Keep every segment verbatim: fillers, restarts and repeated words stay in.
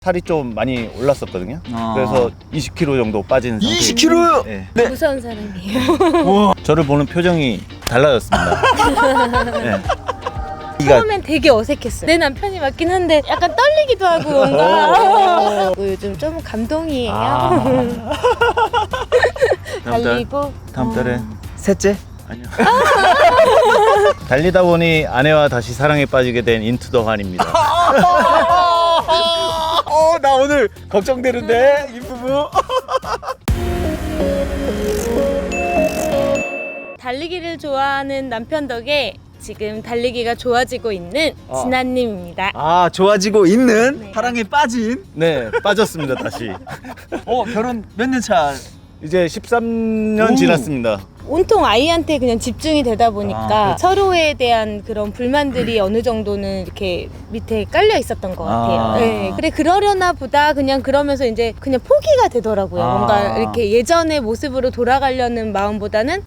살이 좀 많이 올랐었거든요. 아. 그래서 이십 킬로그램 정도 빠진 상태. 이십 킬로그램요? 네. 네. 무서운 사람이에요. 우와. 저를 보는 표정이 달라졌습니다. 네. 처음엔 되게 어색했어요. 내 남편이 맞긴 한데 약간 떨리기도 하고 뭔가 요즘 좀 감동이에요. 아. 다음 달, 달리고 다음 달에 어. 셋째? 아니요. 달리다 보니 아내와 다시 사랑에 빠지게 된 인투 더 환입니다. 어, 나 오늘 걱정되는데 이 부부. 달리기를 좋아하는 남편 덕에 지금 달리기가 좋아지고 있는 어. 진아님입니다. 아, 좋아지고 있는 네. 사랑에 빠진. 네, 빠졌습니다 다시. 어, 결혼 몇 년 차? 이제 십삼 년 오. 지났습니다. 온통 아이한테 그냥 집중이 되다 보니까 아, 서로에 대한 그런 불만들이 어느 정도는 이렇게 밑에 깔려 있었던 것 같아요. 아. 네, 그래 그러려나 보다 그냥 그러면서 이제 그냥 포기가 되더라고요. 아. 뭔가 이렇게 예전의 모습으로 돌아가려는 마음보다는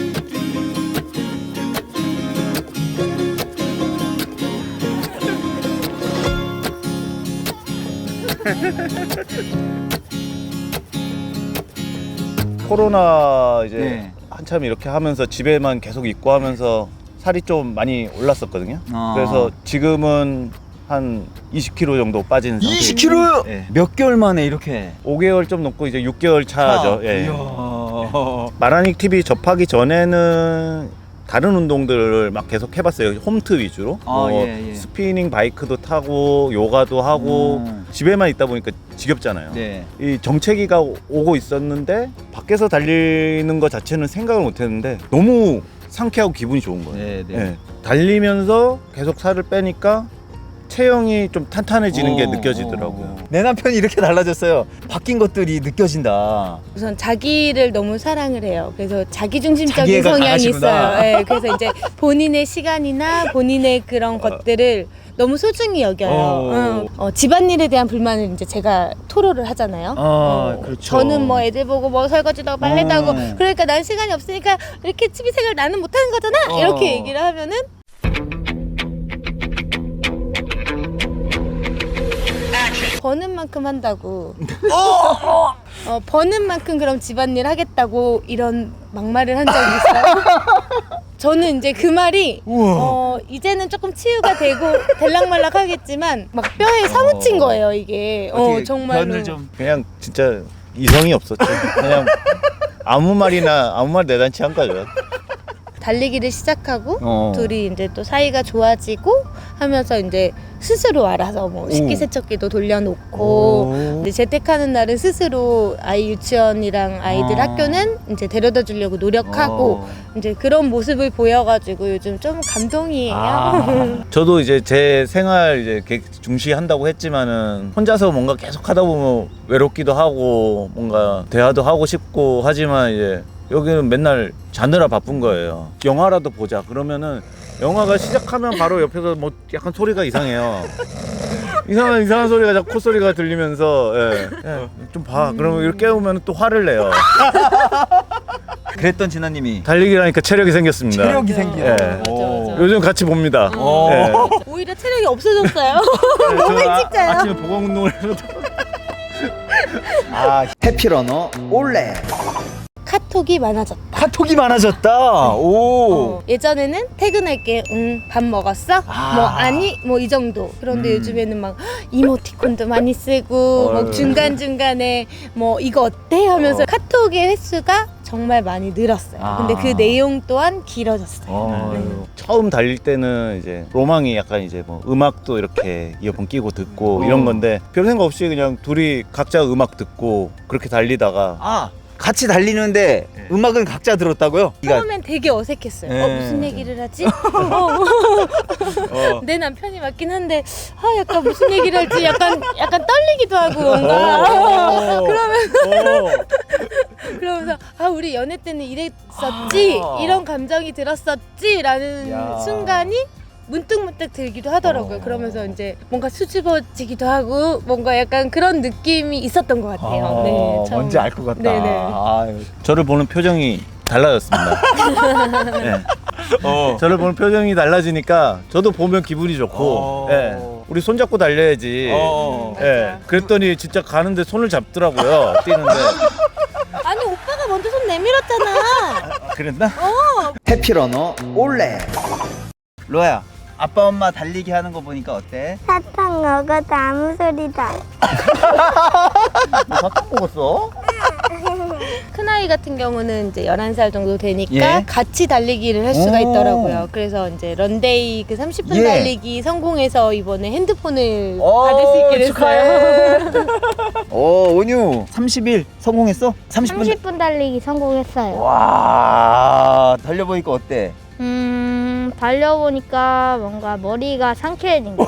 코로나 이제 네. 한참 이렇게 하면서 집에만 계속 있고 하면서 살이 좀 많이 올랐었거든요. 아. 그래서 지금은 한 이십 킬로그램 정도 빠진 상태. 이십 킬로그램요? 네. 몇 개월 만에 이렇게? 오 개월 좀 넘고 이제 육 개월 차죠. 예. 이야. 마라닉 티비 접하기 전에는 다른 운동들을 막 계속 해봤어요. 홈트 위주로. 아, 뭐 예, 예. 스피닝 바이크도 타고 요가도 하고 음. 집에만 있다 보니까 지겹잖아요. 네. 이 정체기가 오고 있었는데 밖에서 달리는 것 자체는 생각을 못했는데 너무 상쾌하고 기분이 좋은 거예요. 네, 네. 예. 달리면서 계속 살을 빼니까 체형이 좀 탄탄해지는 게 어, 느껴지더라고요. 어. 내 남편이 이렇게 달라졌어요. 바뀐 것들이 느껴진다. 우선 자기를 너무 사랑을 해요. 그래서 자기중심적인 자기애가 성향이 강하시구나. 있어요. 네, 그래서 이제 본인의 시간이나 본인의 그런 것들을 너무 소중히 여겨요. 어. 어, 어, 집안일에 대한 불만을 이제 제가 토로를 하잖아요. 아, 어, 그렇죠. 저는 뭐 애들 보고 뭐 설거지도 하고 빨래도 어. 하고 그러니까 난 시간이 없으니까 이렇게 취미 생활 나는 못하는 거잖아. 어. 이렇게 얘기를 하면은 버는 만큼 한다고. 어, 버는 만큼 그럼 집안일 하겠다고 이런 막말을 한 적이 있어요. 저는 이제 그 말이 우와. 어, 이제는 조금 치유가 되고 될락말락 하겠지만 막 뼈에 사무친 거예요 이게. 어, 어떻게 정말로. 변을 좀. 그냥 진짜 이성이 없었죠. 그냥 아무 말이나 아무 말 내단치 한 거죠. 달리기를 시작하고 어. 둘이 이제 또 사이가 좋아지고 하면서 이제 스스로 알아서 뭐 식기세척기도 돌려놓고 오. 이제 재택하는 날은 스스로 아이 유치원이랑 아이들 아. 학교는 이제 데려다 주려고 노력하고 어. 이제 그런 모습을 보여가지고 요즘 좀 감동이에요. 아. 저도 이제 제 생활 이제 계획 중시한다고 했지만은 혼자서 뭔가 계속 하다 보면 외롭기도 하고 뭔가 대화도 하고 싶고 하지만 이제 여기는 맨날 자느라 바쁜 거예요. 영화라도 보자 그러면은 영화가 시작하면 바로 옆에서 뭐 약간 소리가 이상해요. 이상한 이상한 소리가 자꾸 콧소리가 들리면서 예. 예, 좀 봐. 그러면 이렇게 깨우면 또 화를 내요. 그랬던 진아님이 달리기를 하니까 체력이 생겼습니다. 체력이 맞아. 생겨. 예. 맞아, 맞아. 요즘 같이 봅니다. 어. 예. 오히려 체력이 없어졌어요. 네, 너무 저는 일찍 자요. 아, 아침에 보강 운동을 해서 아, 해피러너 올레. 카톡이 많아졌다. 카톡이 많아졌다. 오. 어, 예전에는 퇴근할게, 응, 밥 먹었어? 아. 뭐 아니, 뭐 이 정도. 그런데 음. 요즘에는 막 이모티콘도 많이 쓰고, 어휴. 뭐 중간 중간에 뭐 이거 어때 하면서 어. 카톡의 횟수가 정말 많이 늘었어요. 아. 근데 그 내용 또한 길어졌어요. 어. 네. 처음 달릴 때는 이제 로망이 약간 이제 뭐 음악도 이렇게 이어폰 끼고 듣고 어. 이런 건데 별 생각 없이 그냥 둘이 각자 음악 듣고 그렇게 달리다가 아, 같이 달리는데 네. 음악은 각자 들었다고요? 처음엔 되게 어색했어요. 네. 어, 무슨 얘기를 하지? 어. 어, 내 남편이 맞긴 한데, 아, 약간 무슨 얘기를 할지 약간, 약간 떨리기도 하고 뭔가. 어. 그러면, 어. 그러면서, 아, 우리 연애 때는 이랬었지? 아. 이런 감정이 들었었지? 라는 야. 순간이 문득문득 들기도 하더라고요. 어. 그러면서 이제 뭔가 수줍어지기도 하고, 뭔가 약간 그런 느낌이 있었던 것 같아요. 네, 처음. 뭔지 알 것 같다. 네네. 아유. 저를 보는 표정이 달라졌습니다. 네. 어. 저를 보는 표정이 달라지니까 저도 보면 기분이 좋고 어. 예. 우리 손 잡고 달려야지. 어. 예. 그랬더니 진짜 가는데 손을 잡더라고요. 뛰는데. 아니 오빠가 먼저 손 내밀었잖아. 아, 그랬나? 어. 해피러너 올레. 로아야, 아빠 엄마 달리기 하는 거 보니까 어때? 사탕 먹어도 아무 소리다. 너 사탕 먹었어? 큰아이 같은 경우는 이제 열한 살 정도 되니까 예. 같이 달리기를 할 수가 오. 있더라고요. 그래서 이제 런데이 그 삼십 분 예. 달리기 성공해서 이번에 핸드폰을 오, 받을 수 있게 됐어요. 오, 온유 삼십 일 성공했어? 삼십 분. 삼십 분 달리기 성공했어요. 와, 달려보니까 어때? 음, 달려보니까 뭔가 머리가 상쾌해진 거.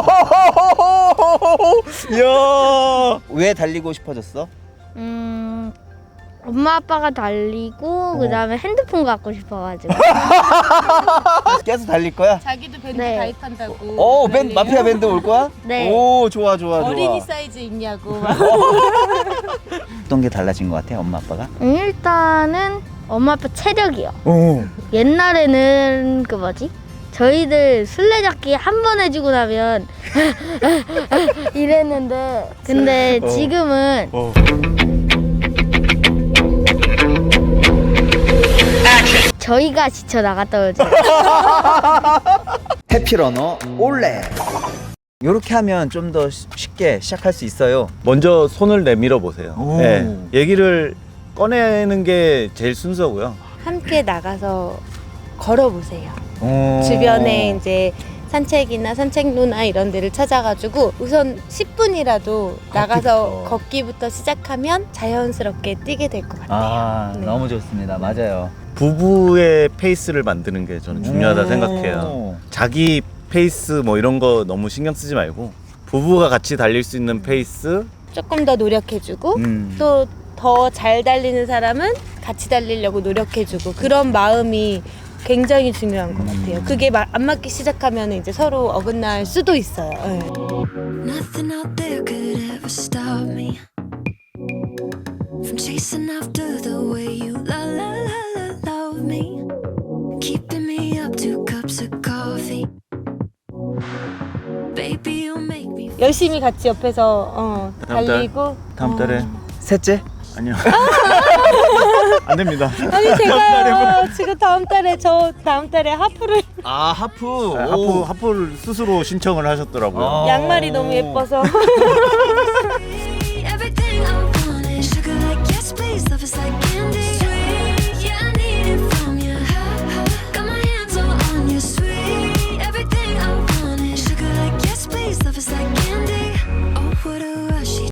이야, 왜 달리고 싶어졌어? 음, 엄마 아빠가 달리고 그 다음에 핸드폰 갖고 싶어가지고. 계속 달릴 거야? 자기도 밴드 네. 가입한다고. 오, 밴드, 난리예요. 마피아 밴드 올 거야? 네. 오, 좋아, 좋아, 좋아. 어린이 사이즈 있냐고. 막. 어떤 게 달라진 것 같아, 엄마 아빠가? 음, 일단은 엄마 아빠 체력이요. 오. 옛날에는 그 뭐지? 저희들 술래잡기 한 번 해주고 나면 이랬는데 근데 어. 지금은 어. 저희가 지쳐 나갔다 오죠. 해피러너 올레. 요렇게 하면 좀 더 쉽게 시작할 수 있어요. 먼저 손을 내밀어 보세요. 오. 예. 얘기를 꺼내는 게 제일 순서고요. 함께 나가서 걸어보세요. 오. 주변에 이제 산책이나 산책로나 이런 데를 찾아가지고 우선 십 분이라도 나가서 걷기부터 시작하면 자연스럽게 뛰게 될 것 같아요. 아, 네. 너무 좋습니다. 맞아요. 부부의 페이스를 만드는 게 저는 중요하다 오. 생각해요. 자기 페이스 뭐 이런 거 너무 신경 쓰지 말고 부부가 같이 달릴 수 있는 페이스. 조금 더 노력해주고 음. 또 더 잘 달리는 사람은 같이 달리려고 노력해주고 그런 마음이 굉장히 중요한 것 같아요. 그게 마- 안 맞기 시작하면 이제 서로 어긋날 수도 있어요. 네. Nothing out there could ever stop me from chasing after the way you la la la la love me, keeping me up two cups of coffee. Baby, you make me feel 열심히 같이 옆에서 어, 다음 달? 달리고 다음 달에 어. 셋째? 아니요. 안 됩니다. 아니 제가요 지금 다음 달에 저 다음 달에 하프를 아, 하프. 하프 하프를 스스로 신청을 하셨더라고요. 아. 양말이 너무 예뻐서